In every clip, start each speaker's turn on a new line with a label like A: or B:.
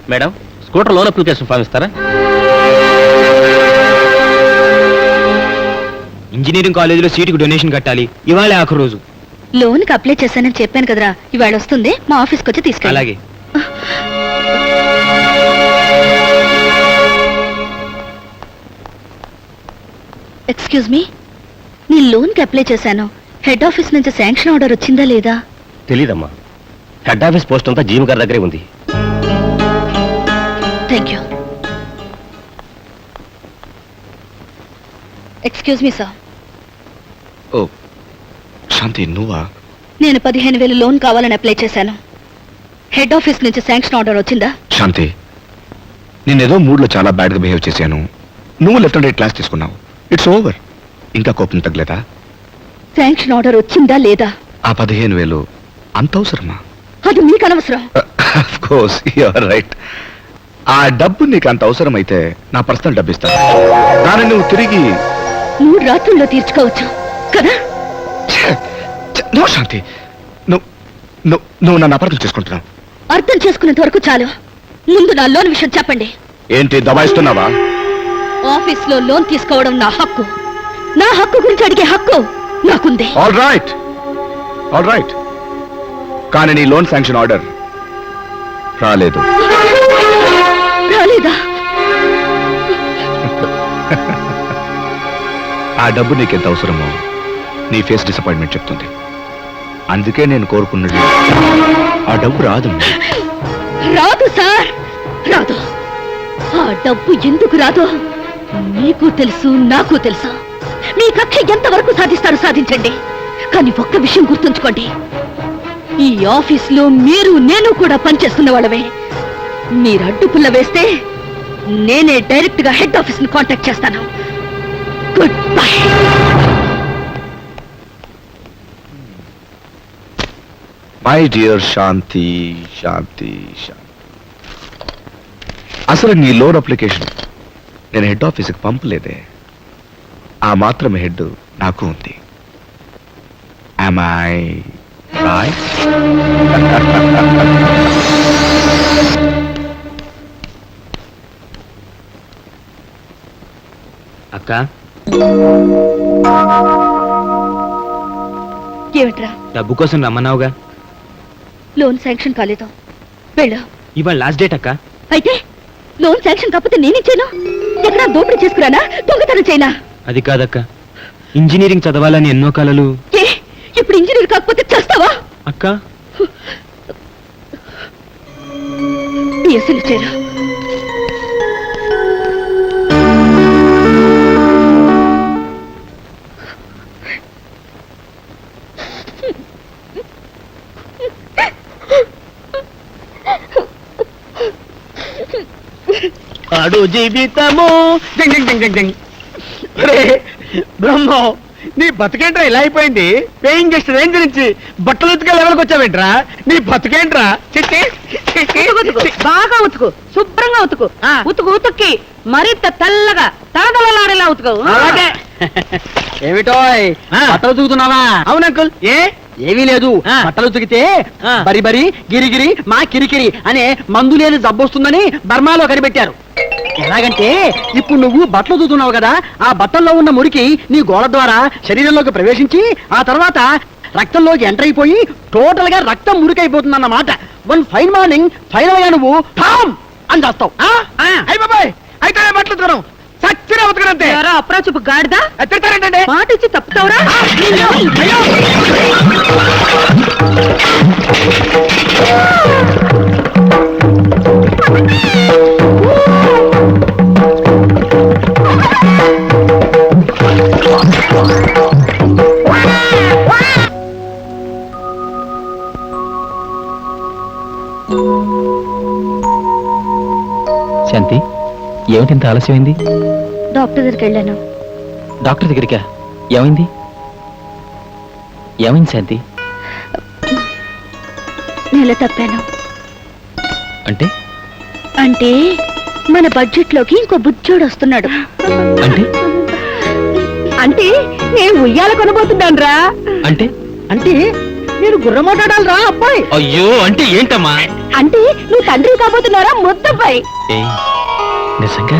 A: Madam, scooter loan application form ఇస్తారా?
B: Engineering కాలేజీలో సీటుకు డొనేషన్ కట్టాలి, ఇవాళ ఆఖరు రోజు.
C: లోన్ కి అప్లై చేశానని చెప్పాను కదరా, ఇవాళ వస్తుంది, మా ఆఫీస్కి వచ్చి తీసుకెళ్ళి.
B: అలాగే.
C: ఎక్స్క్యూజ్ మీ, నీ లోన్ కి అప్లై చేశాను, హెడ్ ఆఫీస్ నుంచి శాంక్షన్ ఆర్డర్ వచ్చిందా లేదా?
A: తెలీదమ్మా, హెడ్ ఆఫీస్ పోస్ట్ అంతా జీవి గారి దగ్గరే ఉంది.
C: Thank you. Excuse me sir.
D: Oh Shanti, నువ్వా?
C: నేను 15,000 లోన్ కావాలని అప్లై చేశాను, హెడ్ ఆఫీస్ నుంచి శాంక్షన్ ఆర్డర్ వచ్చిందా?
D: శాంతి, నేనేదో మూడ్లో చాలా బ్యాడ్గా బిహేవ్ చేశాను, నువ్వు లెఫ్ట్ అండ్ రైట్ క్లాస్ తీసుకున్నావు. It's over. ఇంకా కోపం తగ్గలేదా?
C: శాంక్షన్ ఆర్డర్ వచ్చిందా లేదా?
D: ఆ 15,000 అంత అవసరమా?
C: అది మీకు అనవసరం.
D: Of course you are right. ఆ డబ్బు నీకు అంత అవసరమైతే నా పర్సనల్ డబ్బు ఇస్తాను, దాన్ని నువ్వు తిరిగి
C: 3 రాత్రుల్లో తీర్చుకోవచ్చు కదా?
D: నో శాంతి, నువ్వు నన్ను అపార్థం చేసుకుంటున్నావు.
C: అర్థం చేసుకునేంత వరకు చాలు. ముందు నా లోన్ విషయం చెప్పండి.
D: ఏంటి దబాయిస్తున్నావా?
C: ఆఫీస్ లో లోన్ తీసుకోవడం నా హక్కు, నా హక్కు గురించి అడిగే హక్కు నాకుంది.
D: ఆల్ రైట్, కానీ నీ లోన్ శాంక్షన్ ఆర్డర్ రాలేదు.
C: రాలేదా?
D: ఆ డబ్బు నీకెంత అవసరమో నీ ఫేస్ డిసప్పాయింట్మెంట్ చెప్తుంది. అందుకే నేను కోరుకున్నది ఆ డబ్బు రాదు.
C: రాదు సార్, రాదు. ఆ డబ్బు ఎందుకు రాదు మీకు తెలుసు, నాకు తెలుసు. మీ కక్ష ఎంతవరకు సాధిస్తారో సాధించండి, కానీ ఒక్క విషయం గుర్తుంచుకోండి, ఈ ఆఫీస్ లో మీరు నేను కూడా పనిచేస్తున్న వాళ్ళవే. మీరు అడ్డుపుల్ల వేస్తే నేనే డైరెక్ట్ గా హెడ్ ఆఫీస్ ని కాంటాక్ట్ చేస్తాను. Good bye.
D: My dear Shanti, అసలు నీ లోన్ అప్లికేషన్ నేను హెడ్ ఆఫీస్కి పంపలేదే. ఆ మాత్రం హెడ్ నాకు ఉంది. Am I right?
B: అక్క,
C: ఏమిట్రా?
B: డబ్బు కోసం రమ్మన్నావుగా.
C: లోన్ శాంక్షన్ కాలేదు, వెళ్ళు.
B: ఇవాళ లాస్ట్ డేట్ అక్క.
C: అయితే లోన్ శాంక్షన్ కాకపోతే నేనిచ్చాను. ఎక్కడా దోపిడీ చేసుకురానా, దొంగతనం చేయనా?
B: అది కాదక్క, ఇంజనీరింగ్ చదవాలని ఎన్నో కలలు.
C: ఏ, ఇప్పుడు ఇంజనీర్ కాకపోతే చేస్తావా?
B: అక్క,
C: అసలు చేరా.
A: ఆడు జీవితము
E: బ్రహ్మో, నీ బతుకేంట్రా ఇలా అయిపోయింది? పేయింగ్ గెస్ట్ రేంజ్ నుంచి బట్టలు ఉతికే లెవెల్కి వచ్చావేంట్రా? నీ బతుకేంట్రా?
F: బాగా ఉతుకు, శుభ్రంగా ఉతుకు. ఉతుక్కి మరీ తెల్లగా తలదలలాడేలా ఉతుకు.
E: అలాగే.
A: ఏమిటో
E: బట్టలు ఉతుకుతున్నావా?
A: అవును అంకుల్.
E: ఏమీ లేదు, బట్టలు ఉతికితే బరి బరి గిరిగిరి మా కిరికిరి అనే మందు లేని జబ్బొస్తుందని బర్మాలో కనిపెట్టారు. ఎలాగంటే ఇప్పుడు నువ్వు బట్టలు ఉతుకుతున్నావు కదా, ఆ బట్టల్లో ఉన్న మురికి నీ గోడ ద్వారా శరీరంలోకి ప్రవేశించి ఆ తర్వాత రక్తంలోకి ఎంటర్ అయిపోయి టోటల్ గా రక్తం మురికైపోతుందన్నమాట. వన్ ఫైన్ మార్నింగ్ ఫైనల్ గా నువ్వు ఠామ్ అని చేస్తావు.
A: అయిపోయి అయితే బట్టలు ఉతకను, సచ్చిన ఉతకనంతే.
F: అప్రాచుపు గాడిదా
A: తిడతారేంటండి?
F: మాట ఇచ్చి తప్పుతావురా?
B: శాంతి, ఏమిటింత ఆలస్యమైంది?
C: డాక్టర్ దగ్గరికి వెళ్ళాను.
B: డాక్టర్ దగ్గరికా? ఏమైంది? ఏమైంది శాంతి?
C: నెల తప్పాను.
B: అంటే
C: అంటే మన బడ్జెట్ లోకి ఇంకో బుజ్జోడు వస్తున్నాడు.
B: అంటే
F: అంటే నేను ఉయ్యాల కొనబోతున్నాను రా.
B: అంటే
E: అంటే నేను గుర్రమాటాడాలి రా అబ్బాయి.
B: అయ్యో అంటే ఏంటమ్మా?
C: అంటే నువ్వు తండ్రి కాబోతున్నారా ముద్దబ్బాయి?
B: ఏయ్, నిజంగా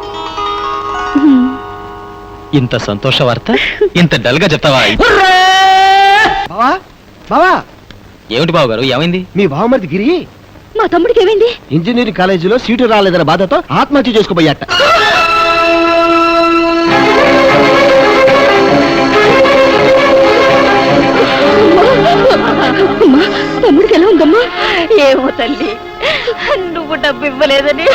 B: ఇంత సంతోష వార్త ఇంత డల్ గా చెప్తావా?
E: బావా బావా,
B: ఏమిటి బాబు గారు, ఏమైంది?
E: మీ బావమరిది గిరి
C: మా తమ్ముడికి ఏమైంది?
E: ఇంజనీరింగ్ కాలేజీలో సీటు రాలేదన్న బాధతో ఆత్మహత్య చేసుకోబోయాట.
C: అమ్మా, తమ్ముడికి ఎలా ఉందమ్మా? ఏమో తల్లి, నువ్వు డబ్బు ఇవ్వలేదని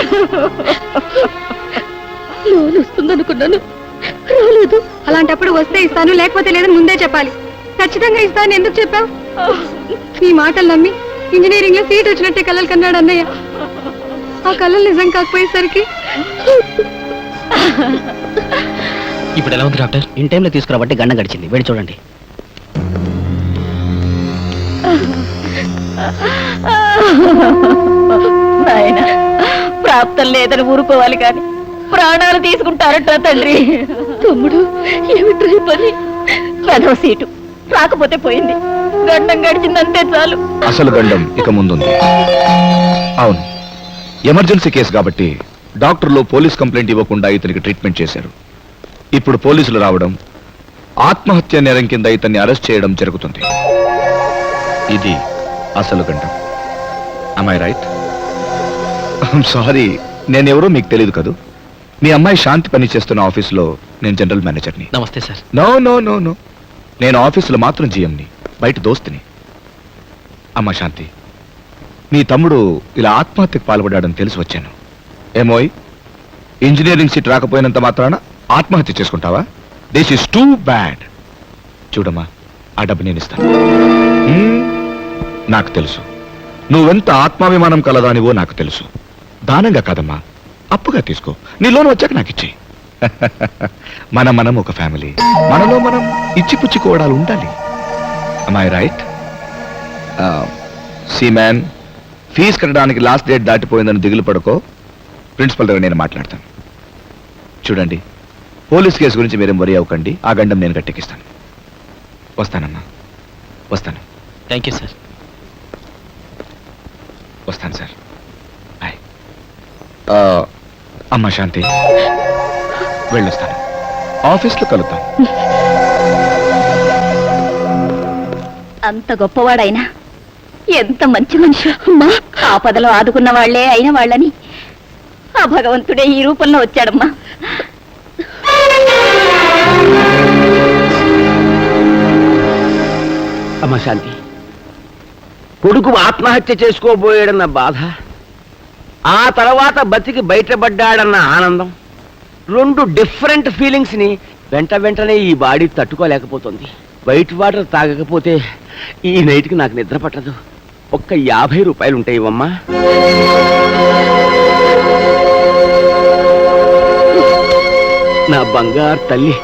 C: లోన్ వస్తుందనుకున్నాను, రాలేదు.
F: అలాంటప్పుడు వస్తే ఇస్తాను, లేకపోతే లేదని ముందే చెప్పాలి. ఖచ్చితంగా ఇస్తాను ఎందుకు చెప్పావు? నీ మాటలు నమ్మి ఇంజనీరింగ్ లో సీట్ వచ్చినట్టే కలలు కన్నాడు అన్నయ్య. ఆ కలలు నిజం కాకపోయేసరికి
B: ఇప్పుడు ఎలా ఉంది డాక్టర్?
E: ఇన్ టైంలో తీసుకురాబట్టి గండం గడిచింది. వెళ్ళి చూడండి.
C: నాయనా, ప్రాప్తం లేదని ఊరుకోవాలి కానీ ప్రాణాలు తీసుకుంటారట తండ్రి. తమ్ముడు ఏమిట్రా ఈ పని? పెదవ సీటు రాకపోతే పోయింది, గండం గడిచిందంతే చాలు.
D: అసలు గండం ఇక ముందుంది. అవును, ఎమర్జెన్సీ కేసు కాబట్టి డాక్టర్లు పోలీస్ కంప్లైంట్ ఇవ్వకుండా ఇతనికి ట్రీట్మెంట్ చేశారు. ఇప్పుడు పోలీసులు రావడం, ఆత్మహత్య నేరం కింద ఇతన్ని అరెస్ట్ చేయడం జరుగుతుంది. ఇది అసలు గండం. am I right? సారీ, నేనెవరో మీకు తెలియదు కదూ. మీ అమ్మాయి శాంతి పని చేస్తున్న ఆఫీసులో నేను జనరల్ మేనేజర్ని.
B: నమస్తే sir.
D: No no no no, నేను ఆఫీసులో మాత్రం జీఎంని, బయట దోస్తుని. అమ్మా శాంతి, మీ తమ్ముడు ఇలా ఆత్మహత్యకు పాల్పడాడని తెలిసి వచ్చాను. ఏమోయ్, ఇంజనీరింగ్ సీట్ రాకపోయినంత మాత్రాన ఆత్మహత్య చేసుకుంటావా? This is too bad. చూడమ్మా, ఆ డబ్బు నేను ఇస్తాను. నాకు తెలుసు నువ్వెంత ఆత్మాభిమానం కలదానివో నాకు తెలుసు. దానంగా కాదమ్మా, అప్పుగా తీసుకో. నీ లోన్ వచ్చాక నాకు ఇచ్చేయి. మనం ఒక ఫ్యామిలీ, మనలో మనం ఇచ్చిపుచ్చుకోవడాలు ఉండాలి. am I right? See man, fee కట్టడానికి లాస్ట్ డేట్ దాటిపోయిందని దిగులు పడుకో. ప్రిన్సిపల్ దగ్గర నేను మాట్లాడతాను. చూడండి, పోలీస్ కేసు గురించి మీరేం వరి అవ్వకండి. ఆ గండం నేను గట్టెక్కిస్తాను. వస్తానమ్మా, వస్తాను.
B: Thank you sir.
D: వస్తాను సార్. బాయ్. అమ్మా శాంతి, వెళ్ళొస్తాను. ఆఫీస్లో కలుద్దాం.
C: అంత గొప్పవాడైనా ఎంత మంచి మనిషి అమ్మా. ఆపదలో ఆదుకున్న వాళ్లే అయిన వాళ్ళని ఆ భగవంతుడే ఈ రూపంలో వచ్చాడమ్మా.
E: అమ్మ శాంతి, కొడుకు ఆత్మహత్య చేసుకోబోయాడన్న బాధ, ఆ తర్వాత బతికి బయటపడ్డాడన్న ఆనందం, రెండు డిఫరెంట్ ఫీలింగ్స్ ని వెంటనే ఈ బాడీ తట్టుకోలేకపోతుంది. వైట్ వాటర్ తాగకపోతే ఈ నైట్కి నాకు నిద్ర పట్టదు. ఒక్క 50 రూపాయలు ఉంటాయి ఇవ్వమ్మా. నా బంగారు తల్లి.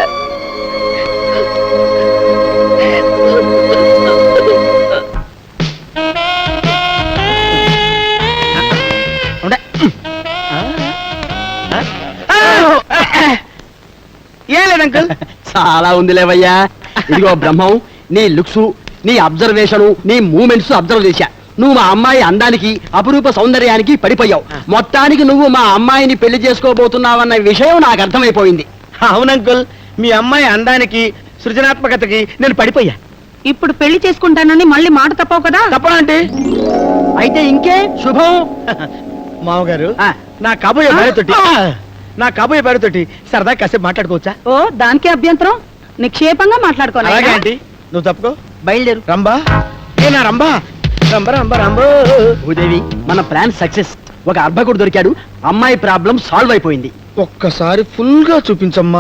E: ఏం లేదు అంకుల్, చాలా ఉందిలేవయ్యా. ఇదిగో బ్రహ్మం, నీ లుక్స్, నీ అబ్జర్వేషన్, నీ మూమెంట్స్ అబ్జర్వ్ చేశా. నువ్వు మా అమ్మాయి అందానికి, అపురూప సౌందర్యానికి పడిపోయావు. మొత్తానికి నువ్వు మా అమ్మాయిని పెళ్లి చేసుకోబోతున్నావన్న విషయం నాకు అర్థమైపోయింది.
A: అవునంకుల్, మీ అమ్మాయి అందానికి, సృజనాత్మకతకి నేను పడిపోయా.
F: ఇప్పుడు పెళ్లి చేసుకుంటానని మళ్ళీ మాట తప్పవు కదా.
A: తప్పనంటే
E: అయితే ఇంకే శుభం.
A: మామగారు,
E: ఆ.
A: నా కాబోయే భార్యతోటి సరదా కాసేపు మాట్లాడుకోవచ్చా?
F: ఓ, దానికే అభ్యంతరం. నిక్షేపంగా
A: అలాగే
F: మాట్లాడుకోవాలి.
A: ఆంటీ, నువ్వు తప్పుకో.
E: బయలుదేరు.
A: రంబా, ఏ నా రంబా, రంబా.
E: భూదేవి, మన ప్లాన్ సక్సెస్. ఒక అర్భకుడు దొరికాడు, అమ్మాయి ప్రాబ్లం సాల్వ్ అయిపోయింది.
A: ఒక్కసారి ఫుల్ గా చూపించమ్మా.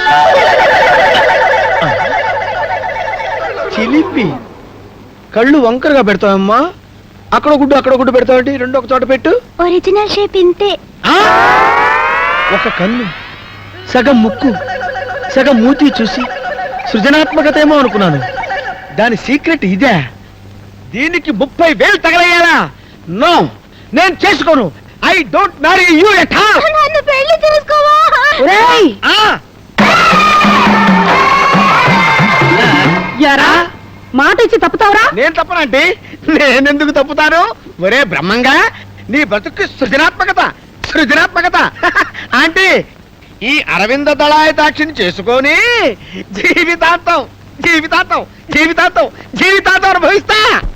A: చిలిపి కళ్ళు వంకరగా పెడతావమ్మా. అక్కడ గుడ్డు పెడతావంటి. రెండు ఒక చోట పెట్టు.
C: ఒరిజినల్ షేప్ ఇంతే.
A: ఒక కన్ను, సగం ముక్కు, సగం మూతి చూసి సృజనాత్మకత ఏమో అనుకున్నాను. దాని సీక్రెట్ ఇదే. దీనికి 30,000 తగలయ్యాలా? నో, నేను చేసుకోను. I don't marry you at all.
C: నన్ను పెళ్లి చేసుకోవా?
F: యారా, మాట ఇచ్చి తప్పుతావరా?
A: నేను తప్పనంటే నేనెందుకు తప్పుతాను? ఒరే బ్రహ్మంగా, నీ బతుకు సృజనాత్మకత సృజనాత్మకత ఆంటీ, ఈ అరవింద దళాయతాక్షిని చేసుకొని జీవితాంతం జీవితాంతం జీవితాంతం జీవితాంతం అనుభవిస్తా.